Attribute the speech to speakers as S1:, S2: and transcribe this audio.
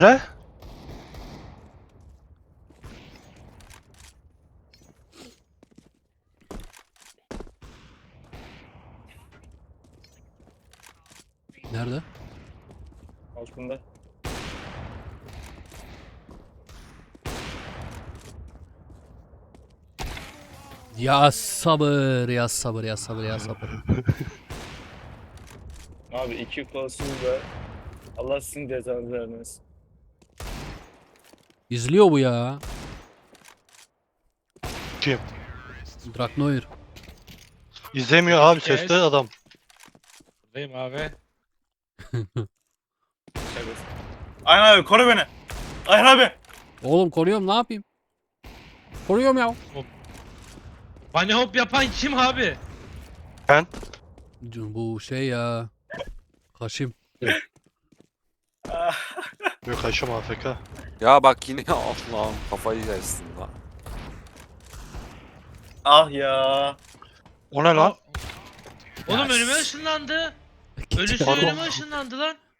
S1: Ne?
S2: Nerede?
S3: Altında.
S2: Ya sabır, ya sabır, ya sabır, ya sabır.
S3: Abi iki kolsuz da Allah sizin cezanızı vermesin.
S2: İzliyor bu ya.
S1: Kim?
S2: Draknoir.
S1: İzlemiyor abi,
S4: Kes.
S1: sesli adam.
S4: Buradayım abi.
S3: Şakası. Ayhan abi koru beni. Ayhan abi.
S2: Oğlum koruyorum, ne yapayım? Koruyorum ya.
S4: Bunny hop yapan kim abi?
S1: Ben?
S2: Bu şey ya. Kaşım.
S3: Ah,
S1: Yok, Haşim AFK.
S5: Ya bak yine Allah'ım kafayı yersin lan.
S3: ah ya.
S1: O ne lan?
S4: Oğlum
S2: Ya
S4: önüme
S2: s-
S4: ışınlandı. Ölüsü
S1: Pardon.
S4: önüme ışınlandı lan.